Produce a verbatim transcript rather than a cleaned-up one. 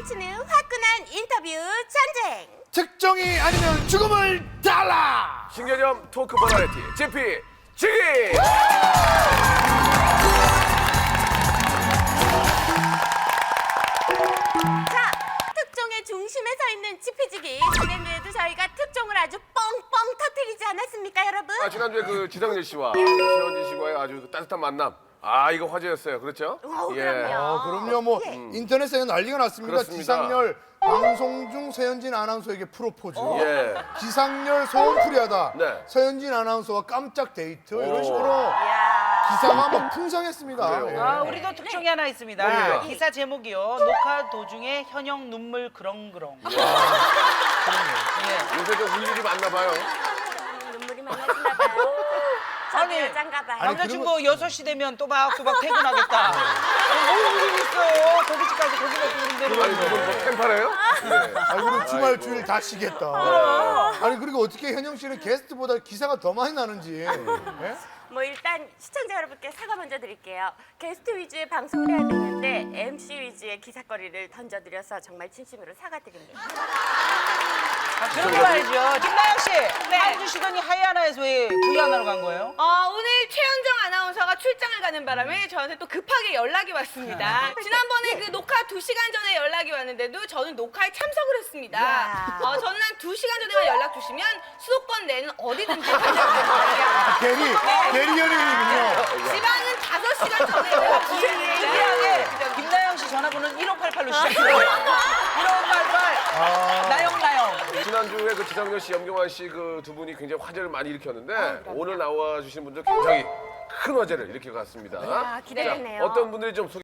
펼치는 화끈한 인터뷰 전쟁. 특종이 아니면 죽음을 달라. 신개념 토크 버라이티 지피 지기. 자, 특종의 중심에 서 있는 지피지기. 지난주에도 저희가 특종을 아주 뻥뻥 터뜨리지 않았습니까, 여러분? 아, 지난주에 그 지상렬 씨와 최원진 씨와의 아주 따뜻한 만남. 아, 이거 화제였어요. 그렇죠? 어, 그럼요. 아, 그럼요. 뭐 예. 인터넷에 난리가 났습니다. 그렇습니다. 기상열 방송 중 서현진 아나운서에게 프로포즈. 예. 기상열 소원풀이하다. 네. 서현진 아나운서와 깜짝 데이트 이런 오. 식으로 이야. 기사가 막 풍성했습니다. 그래요. 예. 아, 우리도 특종이 하나 있습니다. 뭡니까? 기사 제목이요. 녹화 도중에 현영 눈물 그렁그렁. 예. 요새 좀 울 일이 많나 봐요. 눈물이 많아지나 봐요. 저도 아니, 여잔가 봐요. 아니, 남자친구 여섯 시 되면 또박또박 퇴근하겠다. 뭐 일이 있어요. 고깃집 가서 고기 먹고 그런데. 아니, 무슨 뭐 캠파래요? 예. 아, 그리고 주말 아이고. 주일 다 쉬겠다. 아니, 그리고 어떻게 현영 씨는 게스트보다 기사가 더 많이 나는지. 예? 뭐 일단 시청자 여러분께 사과 먼저 드릴게요. 게스트 위주의 방송을 해야 되는데 엠씨 위주의 기사거리를 던져드려서 정말 진심으로 사과드립니다. 아, 그런 거 말이죠. 김나영 씨. 한 주 쉬더니 하이아나에서 왜 V하나로 간 거예요? 어, 오늘 최현정 아나운서가 출장을 가는 바람에 저한테 또 급하게 연락이 왔습니다. 지난번에 그 녹화 두 시간 전에 연락이 왔는데도 저는 녹화에 참석을 했습니다. 이야. 어, 저는 한 두 시간 전에만 연락 주시면 수도권 내는 어디든지 가져가겠습니다. 대리, 대리 연예인이군요. 지방은 다섯 시간 전에 연락 주시는데 신기하게 김나영 씨 전화번호는 일오팔팔로 시작해요. 일오팔팔. 아. 나영 나영. 지난주에 그 지상렬 씨, 염경환 씨 그 두 분이 굉장히 화제를 많이 일으켰는데 오늘 나와 주신 분들 굉장히 큰 화제를 일으켜 갔습니다. 아, 기대되네요. 어떤 분들이 좀 소개